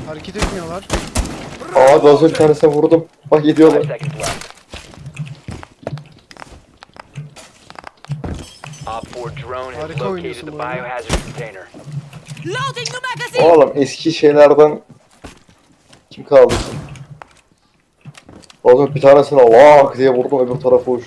Hareket etmiyorlar. Aa gazı bir tanesine vurdum. Bak gidiyorlar. Harika oynuyorsun bu arada. Oğlum eski şeylerden kim kaldı ki? Oğlum bir tanesine vak diye vurdum öbür tarafa uçtu.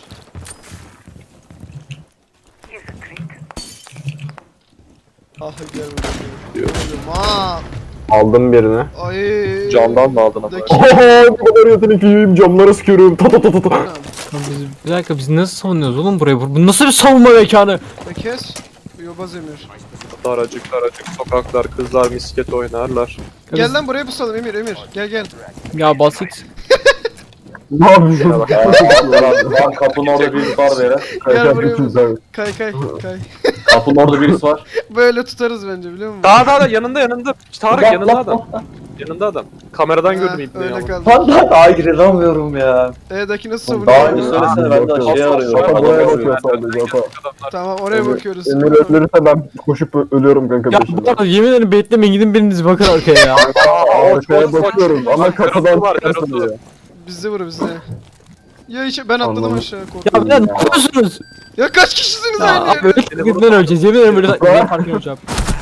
Ah gel buraya. Aa, Aldım birini. ay. Camdan mı aldın ama? Daki- Oho ne kadar yetenekliyim, camlara sıkıyorum. Ta ta ta ta ta. Bir dakika biz nasıl savunuyoruz oğlum burayı? Bu nasıl bir savunma mekanı? Da kes. Yobaz Emir. Daracık sokaklar, kızlar misket oynarlar. Gel lan buraya pusalım Emir. Gel. Ya basit. Ne yapıyorsun? Lan kapının orada birisi var böyle. Gel buraya Kaçak pusal. güzel. Kay. Kapının orada birisi var. Böyle tutarız bence biliyor musun? Daha yanında. Tarık yanında adam. Yanında adam. Kameradan gördüm ibneyi Öyle ama. kaldı. Lan daha girinemiyorum ya. Daki nasıl Daha savunuyor? önce söylesene ben de şey arıyorum. Ata Adam buraya arıyorum. bakıyor sadece ata. Tamam oraya bakıyoruz. Emir ölürse ben koşup ölüyorum kanka Ya peşinden. bu arada yemin ederim beklemeyin gidin biriniz bakın arkaya ya. Arkaya bakıyorum ama kapıdan çıkarsın diye. Bizde bizde. Ya ben atladım Anladım. aşağı Ya korkuyorum. beyler ne yapıyorsunuz? Ya kaç kişisiniz Ya aynı abi yerde? öyle gitmeden öleceğiz yemin ederim böyle fark olacağım.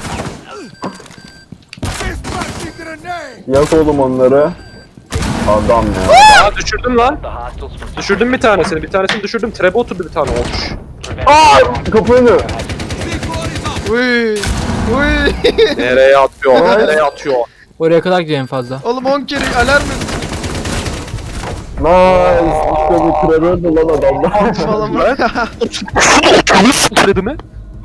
Yak oğlum onları. Adam ya. Aa düşürdüm lan. Düşürdüm bir tanesini. Bir tanesini düşürdüm. Trebe oturdu bir tane olmuş. Kapı önü. Uy. Nereye atıyor? Nereye atıyor? Oraya kadar gidiyor en fazla. Oğlum 10 kere alarm et Nice. İşte bu trevördü lan adamlar. falan. Trebe mi?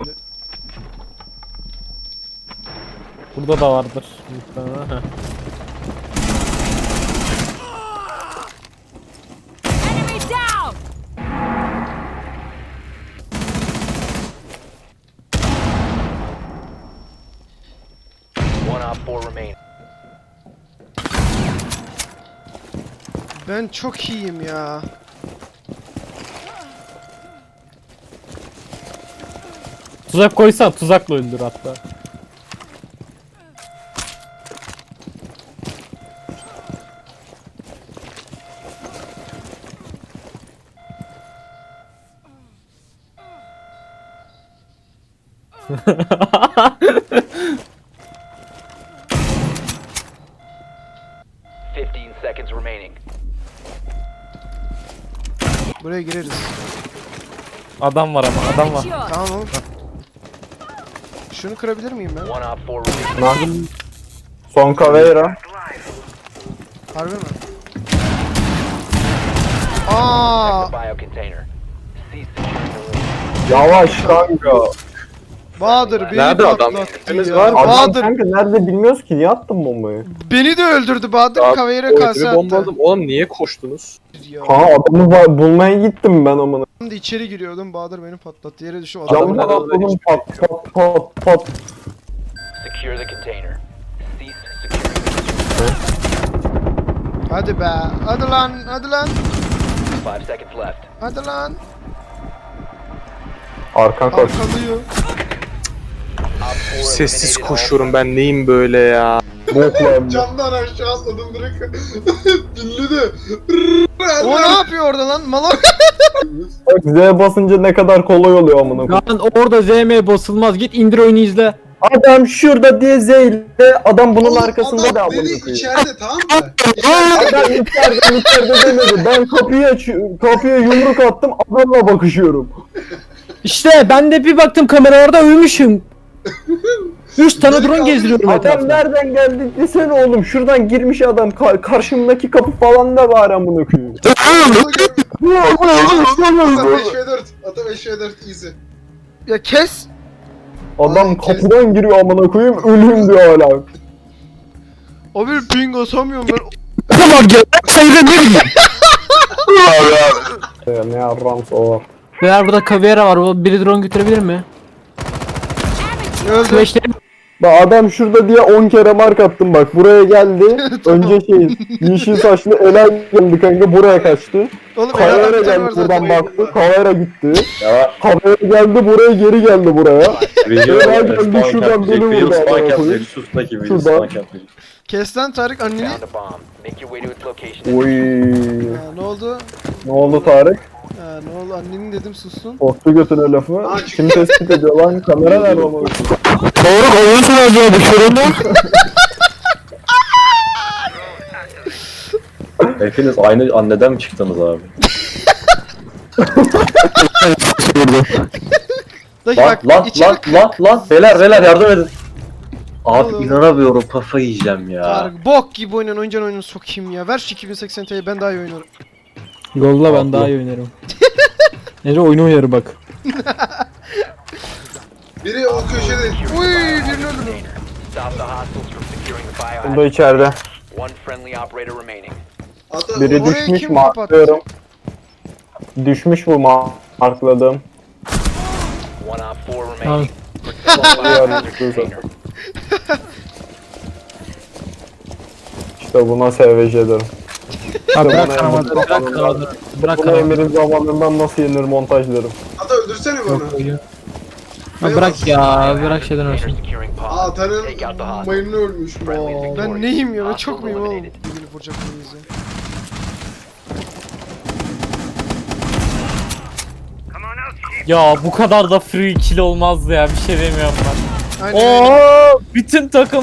Burada da vardır. Muhtemelen. Enemy down! Ben çok iyiyim ya. Tuzak koysan tuzakla öldür hatta. Buraya gireriz. Adam var ama adam var. Secure. Tamam oğlum. Şunu kırabilir miyim ben? Son Caveira. Harbi mi? Aa, Yavaş kanka. Bahadır beni Nerede adam? patlattı Temiz ya. var mı? Adam Bahadır kanka nerede bilmiyoruz ki, niye attın bombayı? beni de öldürdü. Bahadır Kaveyre kase attı. Bombaladım. Oğlum niye koştunuz? Ya. Kaan adamı bulmaya gittim ben amına. Ben de içeri giriyordum. Bahadır beni patlattı. Yere düştüm. Adam. Camdan Adamın atladım pat pat pat pat. Hadi be. Hadi lan. Hadi lan. Arkan koş. Arkalıyor. Sessiz koşuyorum ben neyim böyle ya? Bokla. Camdan aşağı atladım direkt. Dinledi. O ne yapıyor orada lan? Malak. Bak Z basınca ne kadar kolay oluyor amına koyayım. Lan orada ZM basılmaz git indir oyunu izle. Adam şurada diye Z ile adam bunun arkasında da amına koyayım. İçeride tamam mı? Adam içeride demedi. Ben kapıya yumruk attım, adamla bakışıyorum. İşte ben de bir baktım kameralarda ölmüşüm. 3 tane drone gezdiriyorum Adam etrafta. nereden geldi desene oğlum. Şuradan girmiş adam. Karşımdaki kapı falan da var amına koyayım. Ata 5v4. Ata 5v4 easy. Ya kes. Adam kapıdan giriyor amına koyayım. Ölüm diyor hala. O bir ping atamıyorum ben. Tamam gel. Sayıda ne bileyim. Ne yarrams o. Beyler burada Caveira var. Biri drone götürebilir mi? Öldü. Flash'lerim. Bak adam şurada diye 10 kere mark attım bak. Buraya geldi. Önce yeşil saçlı Ela geldi kanka, buraya kaçtı. Oğlum Kavera Eren var geldi zaten. buradan baktı. Kavera gitti. Kavera geldi buraya, geri geldi buraya. Ela geldi şuradan beni vurdu amına koyayım. Şuradan. Kes lan Tarık anneni. Found a bomb. Make your way to its location. Oy. Ha, ne oldu? Ne oldu Tarık? Ha, ne oldu annenin dedim sustun. Korktu götüne lafı. Kim tespit ediyor lan? Kamera nerede ama? Doğru koyuyorsun acaba dışarında. Hepiniz aynı anneden mi çıktınız abi? Dakika Lan lan beyler yardım edin. Abi Oğlum. inanamıyorum, kafayı yiyeceğim ya. Tarık bok gibi oynayan oyunu sokayım ya. Ver şu 2080 Ti'yi ben daha iyi oynarım. Yolla ben daha iyi oynarım. Nece oyunu oynarım bak. Biri o köşede. Uy birini öldürdüm. Stop the hostiles from securing the Bu biohazard. da içeride. One friendly operator remaining. Ata Biri Orayı düşmüş kim marklıyorum. Düşmüş bu markladım. One op 4 Tamam. remaining. Biohazard container. İşte buna SVJ derim. Ha bırak bana kanamadı. Emre'nin Bırak zamanından- kanamadı. Bırak Bunu kanamadı. Emir'in zamanından nasıl yenir montaj derim. Ata öldürsene bana. Ha bırak ya. Bırak şeyden olsun. Securing bomb. Ata'nın Take out the hostage. mayını ölmüş. Ben neyim ya? Ben çok muyum oğlum? Birbirini vuracak mıyız ya? Ya bu kadar da free kill olmazdı ya, bir şey demiyorum ben. Aynen aynen. Oo, bütün takım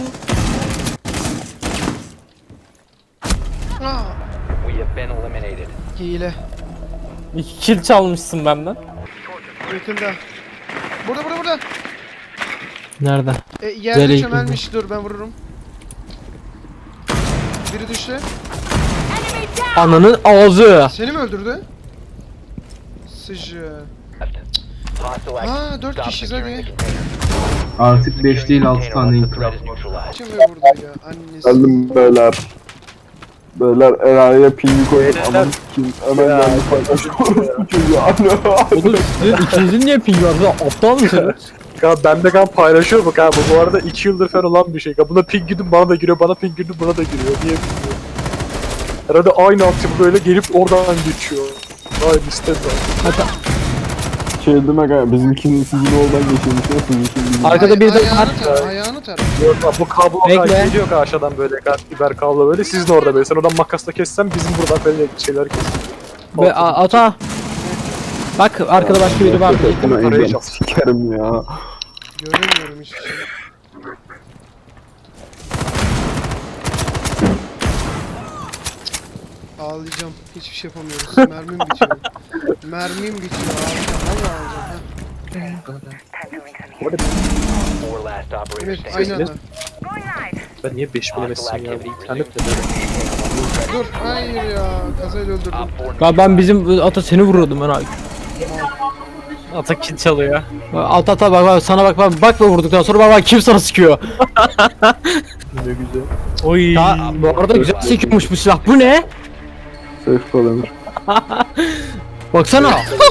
Aa, We have been eliminated. hile. 2 kill çalmışsın benden. Yakında. Burada. Nerede? Yerde Nereye çömelmiş. Dur ben vururum. Biri düştü. Enemy down. Ananın ağzı. Seni mi öldürdü? Sıcı. Hostile Ha active. 4 Stop kişiyiz securing hadi. the container. Artık 5 değil 6 tane The threat is neutralized. Kim ve vurdu ya? Annesi. Geldim beyler. Beyler Eray'a pingi koyun. Aman kim? Hemen geldi paylaşıyor. Bu çocuğu. Oğlum sizin ikinizin niye ping var? Lan aptal mısınız? Ya bende kan paylaşıyor bak abi. Bu arada 2 yıldır falan olan bir şey. Ya buna ping girdim bana da giriyor, bana ping girdim bana da giriyor. Niye bilmiyorum. Herhalde aynı altyapı böyle gelip oradan geçiyor. Aynı sistem var. Şey demek ha, bizimkinin sizin oradan geçiyormuş ya sizinkinin. Arkada bir de Ayağını tar. Ayağını tar. Yok lan, bu kablo Bekle. geliyor aşağıdan böyle biber kablo böyle. Sizin orada böyle. Sen oradan makasla kessen bizim buradan böyle şeyler kes. Ve ata. Bak arkada başka biri var. Buna Parayı engel çal. sikerim ya. Göremiyorum hiçbir şey. Ağlayacağım. Hiçbir şey yapamıyoruz. Mermim bitiyor. Mermim bitiyor. Ağlayacağım. Vallahi ağlayacağım. 4 last operator Evet, standing. aynı anda. Ben niye 5 bilemezsin ya? İnternet de böyle. Dur, hayır ya. Kazayla öldürdüm. Op 4 Ya ben bizim ata seni vuruyordum ben abi. ata kill çalıyor. Ata bak sana bak ve vurduktan sonra bak kim sana sıkıyor. Ne güzel. Oy. Ya bu arada güzel sekiyormuş bu silah. Bu ne? Safe kal Emir. Baksana.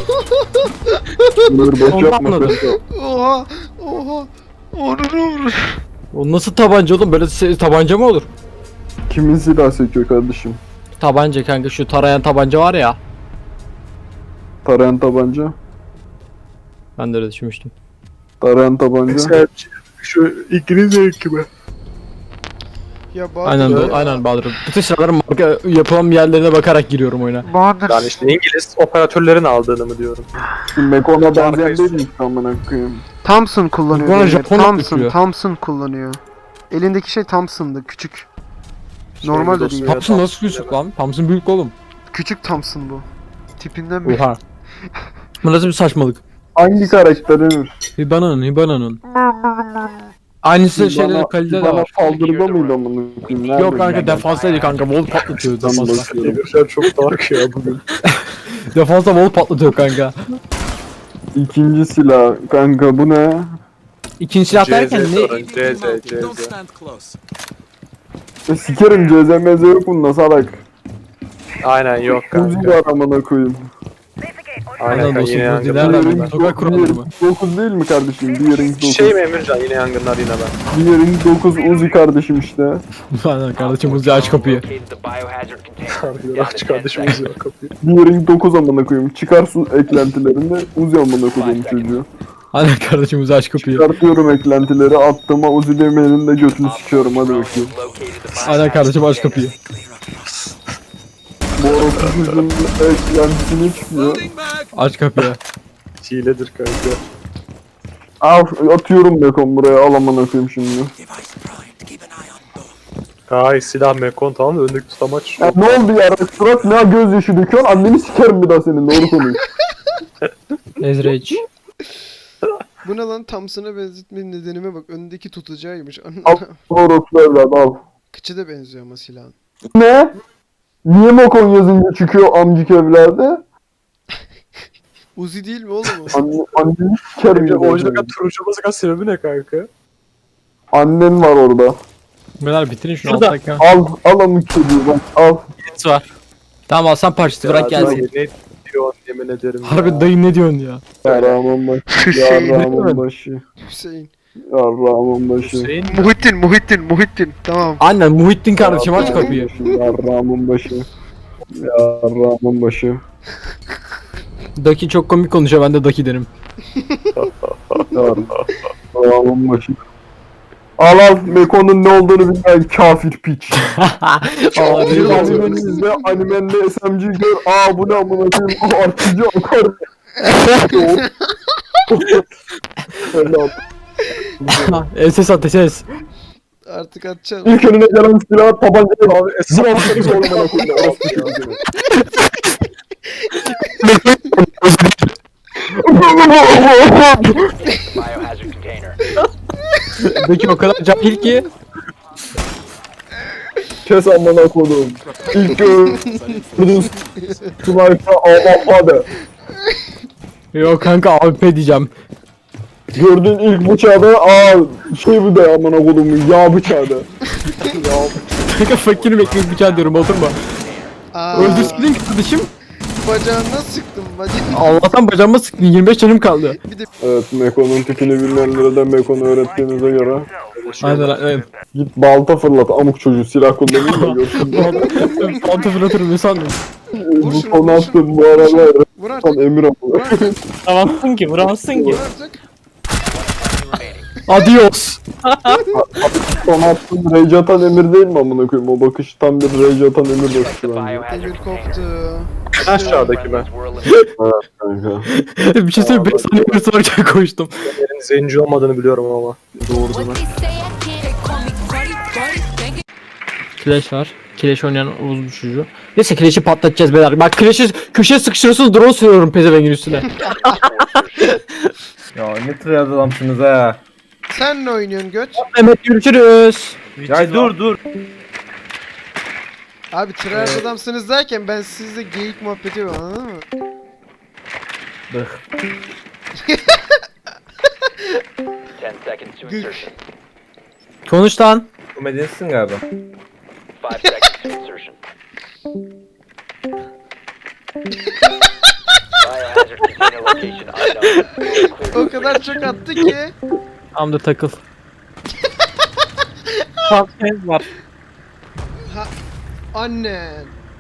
Emir boş Ondan yapma. anladım. safe kal. Oha. Onur. O nasıl tabanca oğlum? Böyle tabanca mı olur? Kimin silah sekiyor kardeşim? Tabanca kanka, şu tarayan tabanca var ya. Tarayan tabanca. Ben de öyle düşünmüştüm. Tarayan tabanca. Sen şu İngilizce hükümü. Ya Bahadır. Aynen Bahadır. Bütün silahların marka yapılan yerlerine bakarak giriyorum oyuna. Bahadır. Yani işte İngiliz operatörlerin aldığını mı diyorum. Mekona benzeyen değil mi amına koyayım? Thompson kullanıyor. Bana Demir. Japon yapıyor. Thompson kullanıyor. Elindeki şey Thompson'dı. Küçük. Normal de değil. Thompson nasıl küçük lan? Thompson büyük oğlum. Küçük Thompson bu. Tipinden bir. Oha. Bu nasıl bir saçmalık? Hangi karakterin? Hibana'nın. Aynısı şeyler kalite de Bana var. saldırıda mıydı amına koyayım? Nerede? Yok kanka defanstaydı kanka, wall patlatıyor Ben defansta. bakıyorum. Emir sen çok dark ya bugün. Defansta wall patlatıyor kanka. İkinci silah. Kanka bu ne? İkinci silah derken CZ ne? sorun, CZ. Sikerim CZMZ yok bunda salak. Aynen yok Uzi kanka. var amına koyayım. Aynen Aynen kanka dostum, yine bu yangınlar. dilerler Diğeri mi? Sokak kuralları mı? 9 değil mi kardeşim? Diğerin 9. Şey mi Emircan yine yangınlar yine ben. Diğerin 9 Uzi kardeşim işte. Aynen kardeşim, Uzi aç kapıyı. located the biohazard container. Harbiden Down aç to 10 kardeşimiz seconds. ya kapıyı. Diğerin 9 amına koyayım. Çıkar su eklentilerinde Uzi amına koyayım çocuğu. Aynen kardeşim Uzi aç kapıyı. Çıkartıyorum eklentileri, attığıma Uzi demeyenin de götünü sikiyorum, hadi bakayım. Aynen kardeşim aç kapıyı. Bu orospu'nun eklentisini çıkmıyor. Aç kapıyı. Hiledir kanka. Al, atıyorum Bekon buraya, al amına koyayım şimdi. Ay silah mekon tamam mı? Öndeki tutamaç. Ya ne oldu ya? Surat ne gözyaşı döküyorsun? Anneni sikerim bir daha senin, doğru konuş. Ezreç. Bu ne lan? Thompson'a benzetmenin nedenime bak. Öndeki tutacağıymış. Al, orospu evladı al. Kıçı da benziyor ama silahın. Ne? Niye Mekon yazınca çıkıyor amcık evladı? Uzi değil mi oğlum o? Anneni sikerim Peki ya. oyuncunun turuncu olmasının sebebi ne kanka? Annen var orada. Beyler bitirin şunu Şurada. alttaki. Al amık çocuğu bak, al. Birisi var. Tamam Hasan parçası bırak Ya, gelsin. Ne diyor yemin ederim Harbi dayı ne diyorsun ya? Yarrağımın başı. Yarrağımın başı. Hüseyin. Yarrağımın başı. Hüseyin Muhittin. Tamam. Aynen Muhittin kardeşim aç kapıyı. Yarrağımın başı. Yarrağımın başı. Daki çok komik konuşuyor, ben de Daki derim. Yarrağımın başı. Al Mekon'un ne olduğunu bilmeyen kafir piç. Bir animenizde animende SMG gör. Bu ne amına koyayım. Artıcı akar. Helal. SS at SS. Artık atacağım. İlk önüne gelen silah tabancayı abi. Esnafları sormana koyuyor. Biohazard container. Daki o kadar cahil ki. Kes amına koydum. İlk gördüğün sniper AWP. Yok kanka AWP diyeceğim. Gördüğün ilk bıçağı da şey bu da amına koydum yağ bıçağı da. Kanka fakirim ekmek bıçağı diyorum, oturma. Öldürsün kardeşim. Bacağına sıktım bacağına. Allah'tan bacağıma sıktın, 25 canım kaldı. Evet, Mekon'un tipini bilmeyenlere de Mekon'u öğrettiğinize göre Aynen. git balta fırlat amuk çocuğu, silah kullanayım da görsün. Altı fırlatırım ne sandın? Bu şunu, konu vur attın bu arada Vur artık. emir amına. Vur artık. Vuramazsın ki, vuramazsın ki. Vur artık. Adios. Son attın rage atan emir değil mi amına koyayım? O bakış tam bir rage atan emir bakışı bence. Biohazard Emir container. koptu. Aşağıdaki ben. Were eliminated. Kanka. Bir şey söyleyeyim, 5 saniye bir sorarken koştum. Senin zenci olmadığını biliyorum ama. Doğrusunu. Clash var. Clash oynayan Oğuz bir çocuğu. Neyse Clash'i patlatacağız beyler. Bak Clash'i köşeye sıkıştırıyorsunuz, drone sürüyorum pezevengin üstüne. Ya ne tür adamsınız ha. Sen ne oynuyorsun göt? Mehmet görüşürüz. Ya dur. Abi tryhard adamsınız derken ben sizle geyik muhabbeti yapıyorum, anladın mı? Bıh. 10 seconds to insertion. Konuş lan. Komedyensin galiba. 5 seconds to insertion. Biohazard container location unknown. O kadar çok attı ki. Tam da takıl. Patlayız var. Annen.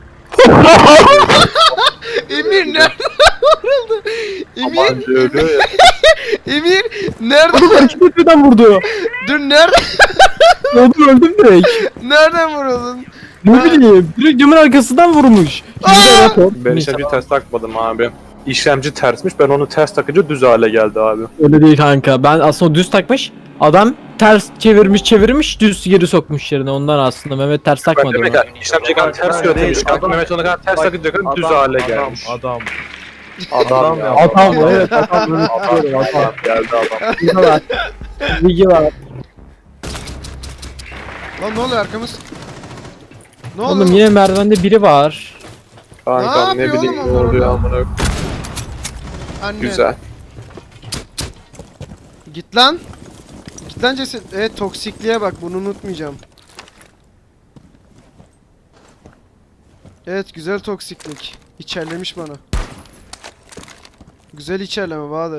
Emir nerede vuruldu? Bence ölüyor ya. Emir nerede? Hareket etmeden vurdu. Dur nerede? Öldüm direkt. Nereden vuruldun? Ne bileyim. Direkt camın arkasından vurmuş. Ben işlemci ters takmadım abi. İşlemci tersmiş, ben onu ters takınca düz hale geldi abi. Öyle değil kanka. Ben aslında düz takmış. Adam ters çevirmiş düz geri sokmuş yerine. Ondan aslında Mehmet ters Ben takmadı. demek onu. ki işlemci kadar ters yönetmiş. Mehmet ona kadar ters takınca kadar düz hale gelmiş. Adam. Adam ya. Adam evet adam. Adam geldi adam. Bilgi var. Bilgi var. Lan ne oluyor arkamız? Ne oldu? Oğlum yine merdivende biri var. Kanka Ne ne yapıyor bileyim oğlum ne oluyor orada? amına. Anne. Güzel. Git lan. Git lan ceset. Evet toksikliğe bak, bunu unutmayacağım. Evet güzel toksiklik. İçerlemiş bana. Güzel içerleme Bahadır.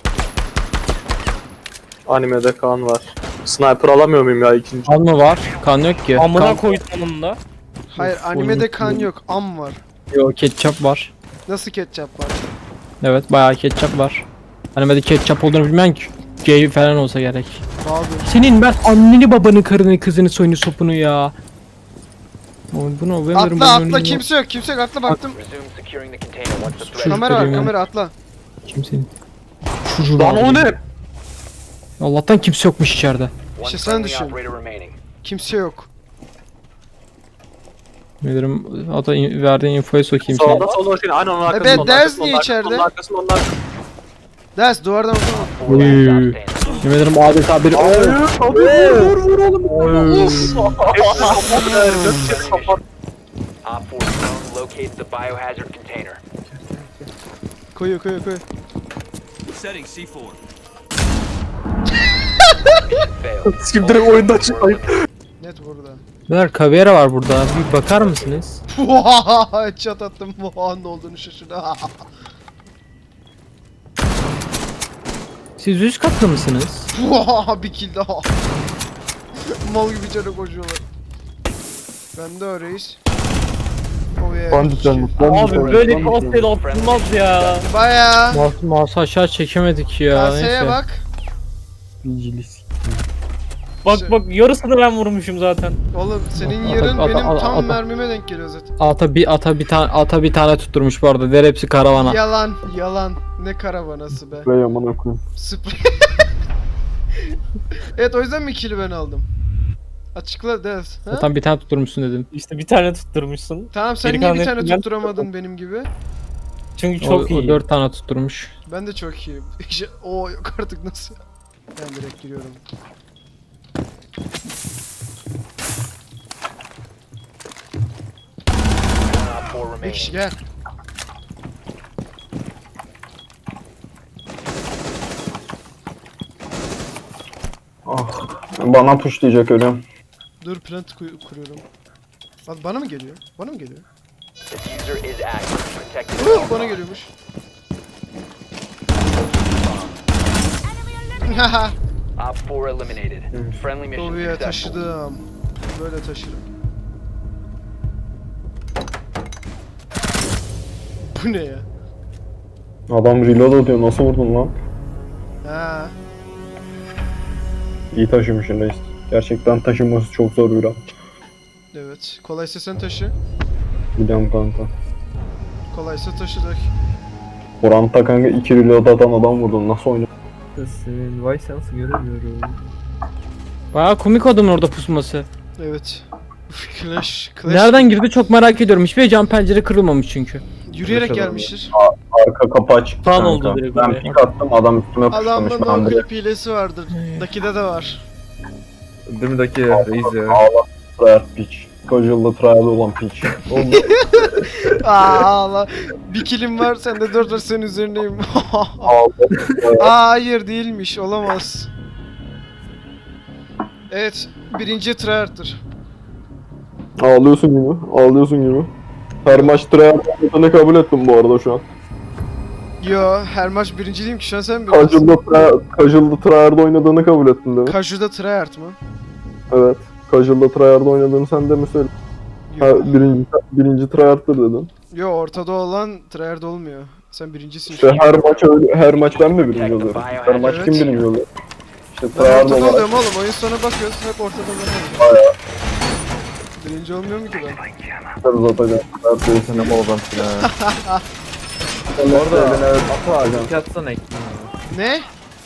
Animede kan var. Sniper alamıyor muyum ya ikinci? Kan mı var? Kan yok ki. Amına Kan koydum onun da. Hayır animede kan yok, am var. yok, ketçap var. Nasıl ketçap var? Evet bayağı ketçap var. Animede ketçap olduğunu bilmem ki. Gay falan olsa gerek. Abi. Senin ben anneni babanı karını kızını soyunu sopunu ya. Oy bunu ben Atla kimse yok atla baktım. Resume securing the container once the threat Kamera var göreyim kamera atla. Kimsenin. Şucu Lan o ne? Allah'tan kimse yokmuş içeride. one İşte sen friendly düşün. operator remaining. Kimse yok. Bilirim ata verdiğin infoyu sokayım seni. Sağda solda şey. Aynen onun arkasında. Evet, onun Dez arkasında, niye onun içeride? arkasında, onun arkasında, onun arkasında. Ders duvardan oturma. 4 last stop Uy. standing. Yemin ederim adeta bir... Vur oğlum. Hepsi kapat ver. Dört kere kapat. Op 4 drone located the biohazard container. Koyuyor. Failed. Sikim direkt oyundan çıkayım. Net burada. Ver kamera var burada. Bir bakar mısınız? Headshot attım. Ne olduğunu şaşırdı. Siz üst katta mısınız? Bir kill daha. Mal gibi canı koşuyorlar. Ben de öyleyiz. Oh yeah. Banditler Abi böyle bir hostel atılmaz ya. Baya. Mouse aşağı çekemedik ya. Kaseye Neyse. bak. Bak yarısını ben vurmuşum zaten. Oğlum senin Ata- yerin ata- benim ata- tam ata. mermime denk geliyor zaten. Ata bir tane tutturmuş bu arada. Der hepsi karavana. Yalan. Ne karavanası be. Ve amına koyayım. Sprey. Evet o yüzden mi kill'i ben aldım? Açıkla Dez. Ha? Zaten bir tane tutturmuşsun dedim. İşte bir tane tutturmuşsun. Tamam sen Geri niye bir kalan tane hepsini ben tutturamadın benim gibi? Çünkü O, çok iyi. o 4 tane tutturmuş. Ben de çok iyiyim. Oo yok artık nasıl? Ben direkt giriyorum. One Op 4 Bir kişi remaining. gel. Bana pushlayacak ölüyorum. Dur plant kuruyorum. Lan bana mı geliyor? Bana mı geliyor? Diffuser is active. Protect the Bana geliyormuş. Haha. Op 4 eliminated. Friendly mission Lobiye successful. taşıdım. Böyle taşırım. Bu ne ya? Adam reload atıyor. Nasıl vurdun lan? Ha. İyi taşımışsın reis. Gerçekten taşınması çok zor bir an. Evet. Kolaysa sen taşı. Biliyorum kanka. Kolaysa taşıdık. Oranta kanka 2 reload atan adam vurdun. Nasıl oynuyorsun? Senin vay sensi göremiyorum. Baya komik adamın orada pusması. Evet. Uf, Clash. Nereden girdi çok merak ediyorum. Hiçbir cam pencere kırılmamış çünkü. Yürüyerek Clash gelmiştir. Arka kapı açık. Fan kanka. oldu direkt Ben oraya. pik attım adam üstüme pushlamış. Adamda Ben no direkt clip hilesi vardır. Dakide de var. Değil mi Daki reis ya? ağla. Triad piç. Casual'da triad olan piç. Allah. Bir kilim var sende 4 var senin üzerindeyim. Ağla. Hayır değilmiş olamaz. Evet birinci tryhard'dır. Ağlıyorsun gibi. Ağlıyorsun gibi. Her maç triad ne kabul ettim bu arada şu an. Yo her maç birinci değilim ki şu an sen birincisin. Casual'da triad oynadığını kabul ettin değil mi? Kaju'da tryhard mı? Evet. Casual'da tryhard oynadığını sen de mi söyledin? Ha, Yo. birinci tryhard'dır dedin. Yo ortada olan tryhard olmuyor. Sen birincisin şu İşte an. her maç ben mi birinci oluyorum? Her maç kim Evet. birinci oluyor? İşte Ben tryhard ortada olarak. oluyorum oğlum oyun sonu bakıyoruz hep ortada ben oluyorum. Birinci olmuyorum ki ben. Tabii zaten. Tryhard değilsin ama oradan Orada evet. Daki atsana ekmeği. Ne?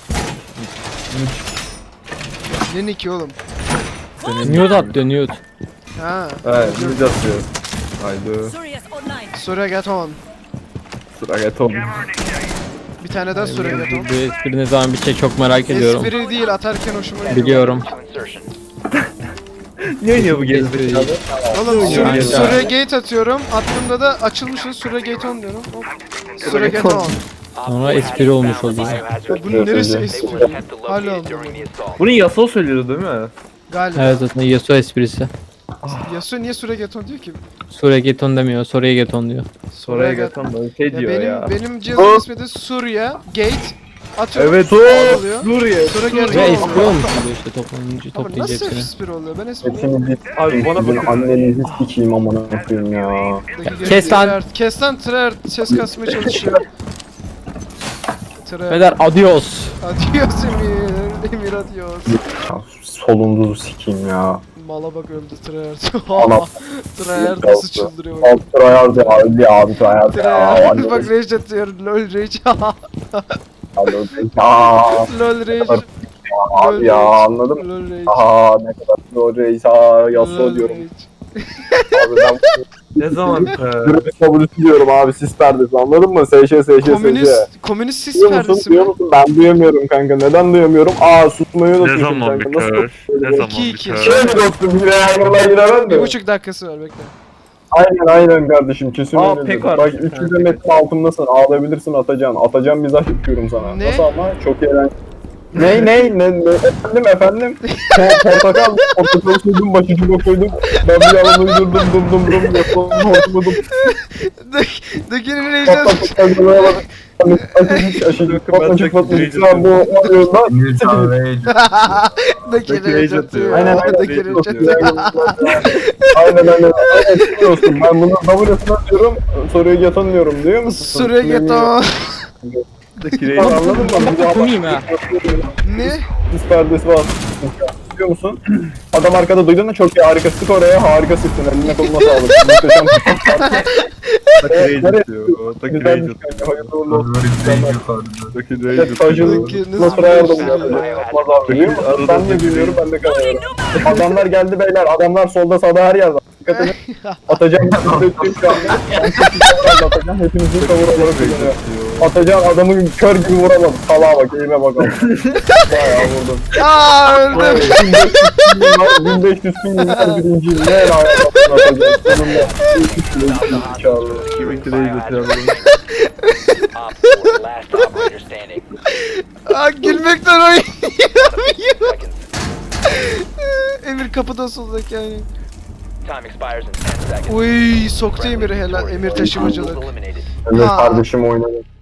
Ne Nick'i oğlum? Nude atlıyor nude. Ha. Evet, biz atıyor. Haydi. Surius online. Surrogate on. Sıra get oğlum. Bir tane daha surrogate on. Bu espri ne zaman bitecek çok merak ediyorum. Espri değil atarken hoşuma gidiyor. Biliyorum. To insertion. Ne oynuyor bu gerizekalı? Oğlum Yani- surrogate atıyorum. Attığımda da açılmışız surrogate on diyorum. Hop. Surrogate on. Op Sonra 4 espri has olmuş found the oluyor. biohazard Ya bunun container. neresi They espri? will attempt to Hala locate it during anlamadım. the assault. Bunu Yasuo söylüyordu değil mi? Galiba. Evet zaten Yasuo esprisi. Yasuo niye surrogate on diyor ki? Suriye geton demiyor, Suriye geton diyor. Oraya gatan böyle şey Ya diyor benim ya. benim cihazın ismi de Surya Gate. Atıyorum. Evet o oluyor. Suriye. Surrogate Ve on espri oluyor. olmuş oluyor işte toplanınca Ama toplayınca nasıl hepsini. espri oluyor? Ben espri Hepsini Abi bana sizin bakın. annenizi sikeyim amına koyayım ya. Kes lan. Kes lan tryhard ses kasmaya çalışıyor. Tren. Beyler adios. Adios Emir. Emir adios. Ya, solunuzu sikeyim ya. Mala bak öldü Treyarch. Anam. Treyarch nasıl çıldırıyor bak. Alt tryhard ya. Öyle abi tryhard ya. Treyarch bak rage atıyor. Lol rage. Lol rage. Abi ya anladım. Lol rage. Aha ne kadar zor reis. Aa yasla diyorum. Abi ben Ne zaman? Dürüst kabulüsü diyorum abi sis perdesi anladın mı? SŞ. Komünist sis Duyuyor musun? perdesi mi? Duyuyor musun? Ben duyamıyorum kanka. Neden duyamıyorum? Aa susmayı unutmuşum kanka. Nasıl? Ne zaman 2-2. Şöyle dostum yine ayarlar giremen de. 1,5 dakikası var bekle. Aynen kardeşim kesin Aa, öyle. pek Bak var. 300 metre altındasın ağlayabilirsin atacaksın. Atacağım mizah yapıyorum sana. Ne? Nasıl ama çok eğlenceli. Ne efendim portakal koydum başucuma koydum ben bir yalan uydurdum dum yapalım hortumadım Dökenin rage Dökenin rage atıyor. Aynen Dökenin rage atıyor. aynen dostum ben bunu W'sunu atıyorum soruyu yatanıyorum diyor musun? Süre geto. Anladın mı? Bu muyum ha? Ne? Sis perdesi var. Biliyor musun? Adam arkada duydun mu? Çok iyi harika sık oraya harika sıktın eline koluna sağlık. Muhteşem. Nereye sıkıyor? Güzelmiş kanka hayırlı uğurlu olsun. Evet tajını nasıl ayarladım ya? Olmaz abi biliyor musun? Ben de biliyorum ben de kalıyorum. Adamlar geldi beyler adamlar solda sağda her yerde. Dikkat edin. Atacağım şu anda. Ben çok iyi atacağım. Hepinizin cover olarak kullanıyor. Atacağım adamı kör gibi vuramadım. Salağa bak eğime bakalım. Bayağı vurdum. Aaa öldüm. 1500 filmler birinciyim. Ne el ayağımdan atacağım. Sonunda 300 kilo zekalı. Op 4, last operator standing. Aa gülmekten oynayamıyorum. Seconds. Emir kapıda soldaki yani. Time expires in 10 seconds. Uy soktu Emir'i helal. Emir taşımacılık. Eliminated. Evet Ha. kardeşim oynadı.